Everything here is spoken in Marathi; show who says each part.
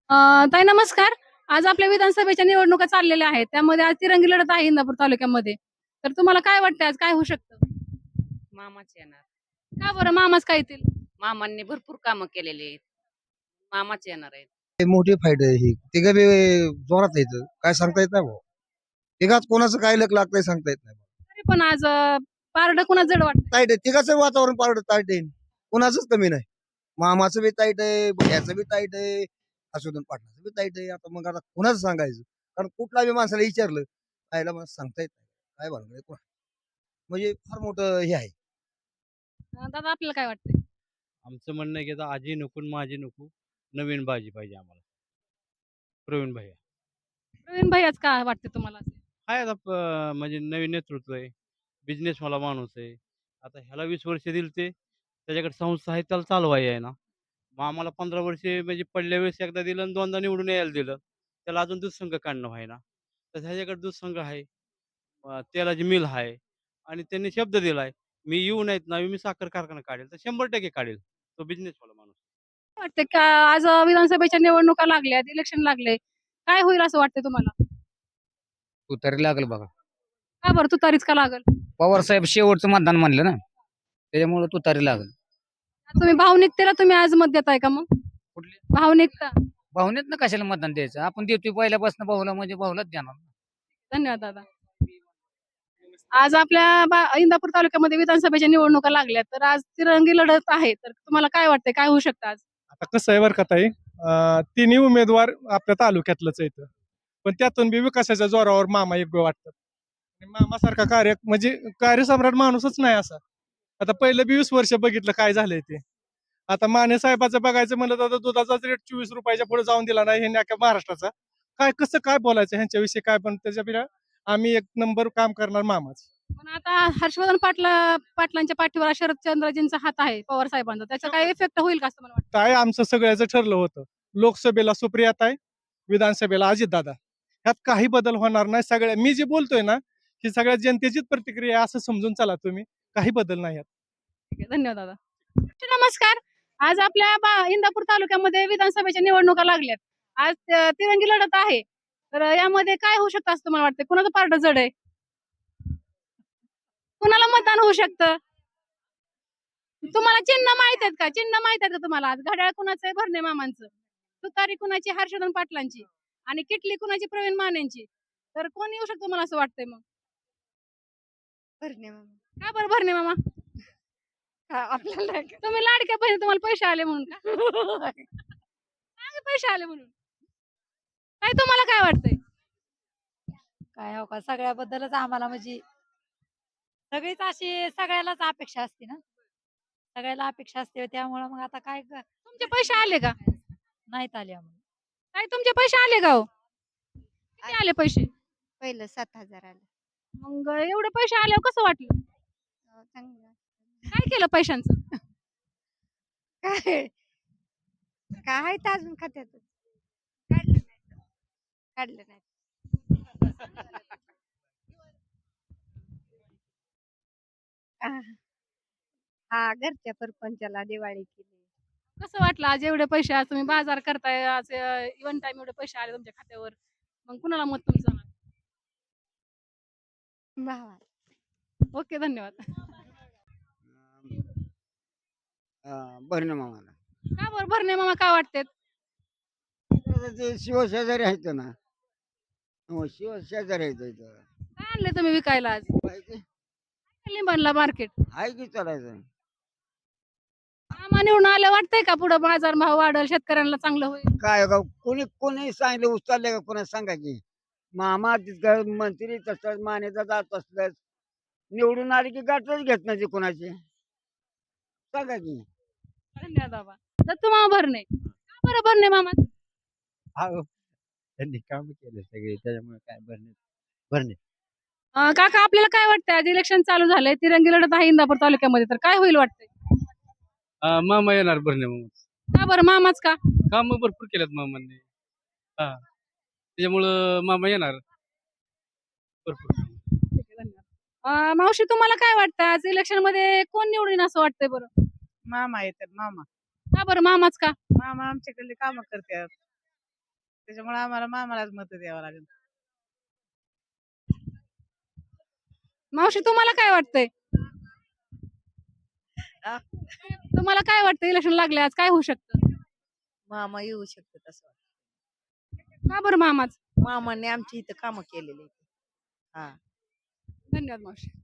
Speaker 1: ताई नमस्कार. आज आपल्या विधानसभेच्या निवडणुका चाललेल्या आहेत. त्यामध्ये आज तिरंगी लढत आहे इंदापूर तालुक्यामध्ये. तर तुम्हाला काय वाटतंय आज काय होऊ शकतं?
Speaker 2: मामाच येणार.
Speaker 1: का बरं मामाच काय येतील?
Speaker 2: मामांनी भरपूर कामं केलेली आहेत. मामाच येणार आहेत.
Speaker 3: हे मोठी फाईट आहे ही. तिघं बी जोरात आहेत. काय सांगता येत नाही भाऊ. तिघात कोणाचं काय लक लागतंय सांगता येत नाही.
Speaker 1: तरी पण आज पारडं कुणा जड वाटतंय?
Speaker 3: ताईट आहे. तिघाचं वातावरण पारड ताईट आहे. कोणाचंच कमी नाही. मामाचं बी ताईट आहे, भैयाचं बी ताईट आहे, असुदन पाटलाचं बी ताईट आहे. आता कोणाचं सांगायचं? कारण कुठला बी माणसाला विचारलं, आईला मला सांगता येत नाही. काय भानगड आहे म्हणजे फार मोठं हे आहे.
Speaker 1: दादा आपल्याला काय वाटतंय?
Speaker 4: आमचं म्हणणं आहे की आता आजी नको आणि माझी नको, नवीन बाजी पाहिजे आम्हाला. प्रवीण भैया.
Speaker 1: प्रवीण भैयाच का वाटते तुम्हाला?
Speaker 4: आहे आता म्हणजे नवीन नेतृत्व आहे. बिझनेसवाला माणूस आहे. आता ह्याला 20 वर्ष दिली ते त्याच्याकडे संस्था आहे त्याला चालवायची आहे ना. मग आम्हाला 15 वर्षे म्हणजे पडल्या वेळेस एकदा दिलं आणि दोनदा निवडून यायला दिलं. त्याला अजून दूध संघ काढणं व्हायना. तर ह्याच्याकडे दूध संघ आहे. तेलाची मिल आहे आणि त्यांनी शब्द दिलाय, मी येऊ नाहीत ना मी साखर कारखाना काढेल, तर 100% काढेल. तो बिझनेसवाला माणूस.
Speaker 1: काय वाटतंय का आज विधानसभेच्या निवडणुका लागल्यात, इलेक्शन लागले. काय होईल असं वाटतंय तुम्हाला?
Speaker 5: तुतारी लागल बघा.
Speaker 1: का बरं तुतारीच का लागल?
Speaker 5: पवार साहेब शेवटचं मतदान म्हणलं ना, त्याच्यामुळे तुतारी लागल.
Speaker 1: तुम्ही भावनिकतेला तुम्ही आज मत देताय का मग?
Speaker 5: कुठली
Speaker 1: भावनिकता.
Speaker 5: भावनेत ना कशाला मतदान द्यायचं? आपण देतोय पहिल्यापासून भाऊला म्हणजे भाऊलाच देणार.
Speaker 1: धन्यवाद दादा. आज आपल्या इंदापूर तालुक्यामध्ये विधानसभेच्या निवडणुका लागल्या तर आज तिरंगी लढत आहे तर तुम्हाला काय वाटतंय काय होऊ शकतं आज?
Speaker 6: आता कसं आहे बरं का ताई, तिन्ही उमेदवार आपल्या तालुक्यातलंच आहेत. पण त्यातून बी विकासाच्या जोरावर मामा योग्य वाटतात. आणि मामासारखा म्हणजे कार्यसम्राट माणूसच नाही असा. आता पहिलं 20 वर्ष बघितलं काय झालंय ते. आता माने साहेबाचं बघायचं म्हणलं तर आता दुधाचाच रेट 24 रुपयाच्या पुढे जाऊन दिला नाही ह्यांनी अख्ख्या महाराष्ट्राचा. काय कसं काय बोलायचं ह्यांच्याविषयी काय, पण त्याच्यापेक्षा आम्ही एक नंबर काम करणार मामाच.
Speaker 1: पण आता हर्षवर्धन पाटलांच्या पाठीवर शरदचंद्रजींचा हात आहे पवार साहेबांचा त्याचा काय इफेक्ट होईल का असं मला वाटतं?
Speaker 6: काय आमचं सगळ्याचं ठरलं होतं. लोकसभेला सुप्रियाताई, विधानसभेला अजितदादा. ह्यात काही बदल होणार नाही. मी जे बोलतोय ना, ही सगळ्या जनतेचीच प्रतिक्रिया आहे असं समजून चला तुम्ही. काही बदल नाही यात.
Speaker 1: ठीक आहे, धन्यवाद दादा. नमस्कार. आज आपल्या इंदापूर तालुक्यामध्ये विधानसभेच्या निवडणुका लागल्यात. आज तिरंगी लढत आहे. तर यामध्ये काय होऊ शकतं असं तुम्हाला वाटतं? कुणाचं पारडं जड आहे? कुणाला मतदान होऊ शकतं? तुम्हाला चिन्ह माहित आहेत का? चिन्ह माहित आहेत का तुम्हाला? आज घड्याळ कुणाचं आहे? भरणे मामांचं. तुतारी कुणाची? हर्षवर्धन पाटलांची. आणि किटली कुणाची? प्रवीण मानेंची. तर कोण येऊ शकतो मला असं वाटतंय मग?
Speaker 7: भरणे मामा.
Speaker 1: का बरं भरणे मामा?
Speaker 7: आपल्याला
Speaker 1: तुम्ही लाडक्या बहिणी तुम्हाला पैसे आले म्हणून का? काय पैसे आले म्हणून? काय तुम्हाला काय वाटतंय?
Speaker 7: काय हो का सगळ्याबद्दलच आम्हाला म्हणजे सगळीच अशी सगळ्यालाच अपेक्षा असते ना. सगळ्याला अपेक्षा असते त्यामुळं मग आता काय
Speaker 1: तुमचे पैसे आले का?
Speaker 7: नाहीत आले आम्हाला.
Speaker 1: काय तुमचे पैसे आले का हो? किती आले पैसे?
Speaker 7: पहिलं 7,000 आलं.
Speaker 1: मग एवढे पैसे आल्यावर कसं वाटलं?
Speaker 7: चांगलं.
Speaker 1: काय केलं पैशांचं?
Speaker 7: काय काय आहे तर अजून खात्यात काढलं नाही. हा घरच्या सरपंचाला दिवाळी केली.
Speaker 1: कसं वाटलं आज एवढे पैसे आज तुम्ही बाजार करताय आज इव्हन टाइम एवढे पैसे आले तुमच्या खात्यावर. मग कुणाला मत तुमचं?
Speaker 7: भावा
Speaker 1: ओके धन्यवाद.
Speaker 5: भरणं मामाला.
Speaker 1: का बरं भरणे मामा काय वाटते?
Speaker 5: ते शिवशेजारी आहेत ना. हो शिवशेजारी आहेत इथं.
Speaker 1: काय आणले तुम्ही विकायला आज?
Speaker 5: पाहिजे
Speaker 1: लिंबाणला मार्केट.
Speaker 5: आहे की चालायचं.
Speaker 1: मामा निवडून आलं वाटतंय का पुढे बाजार भाव वाढेल शेतकऱ्यांना चांगलं होईल?
Speaker 5: काय का कोणी सांगितलं उचलले का कोणा सांगा की मामा तिथं मंत्री तसंच मानेचा जात असलंच निवडून आले की गाठच घेत नाही कोणाची सांगा की.
Speaker 1: धन्यवाद बाबा. दत्तू मामा भरणे. का बरं भरणे मामा?
Speaker 4: त्यांनी काम केले सगळे त्याच्यामुळे काय भरणे.
Speaker 1: काका आपल्याला काय वाटतंय आज इलेक्शन चालू झालंय तिरंगी लढत आहे इंदापूर तालुक्यामध्ये तर काय होईल वाटतंय?
Speaker 4: मामा येणार भरणे मामा.
Speaker 1: का बरं मामाच का?
Speaker 4: काम भरपूर केलेत मामांनी. त्याच्यामुळं मामा येणार भरपूर.
Speaker 1: ठीक आहे, धन्यवाद. मावशी तुम्हाला काय वाटतं आज इलेक्शन मध्ये कोण निवडून येईल असं वाटतंय बरं?
Speaker 8: मामा येतात मामा.
Speaker 1: का बरं मामाच का?
Speaker 8: मामा आमच्याकडले काम करतात. त्याच्यामुळे आम्हाला मामालाच मत द्यावं लागेल.
Speaker 1: मावशी तुम्हाला काय वाटतंय
Speaker 9: आ?
Speaker 1: तुम्हाला काय वाटतं इलेक्शन लागले आज काय होऊ शकतं
Speaker 9: मामा येऊ शकतात असं वाटतं.
Speaker 1: का बरं मामाच
Speaker 9: मामाने आमची इथं कामं केलेली आहेत. हा
Speaker 1: धन्यवाद मावशी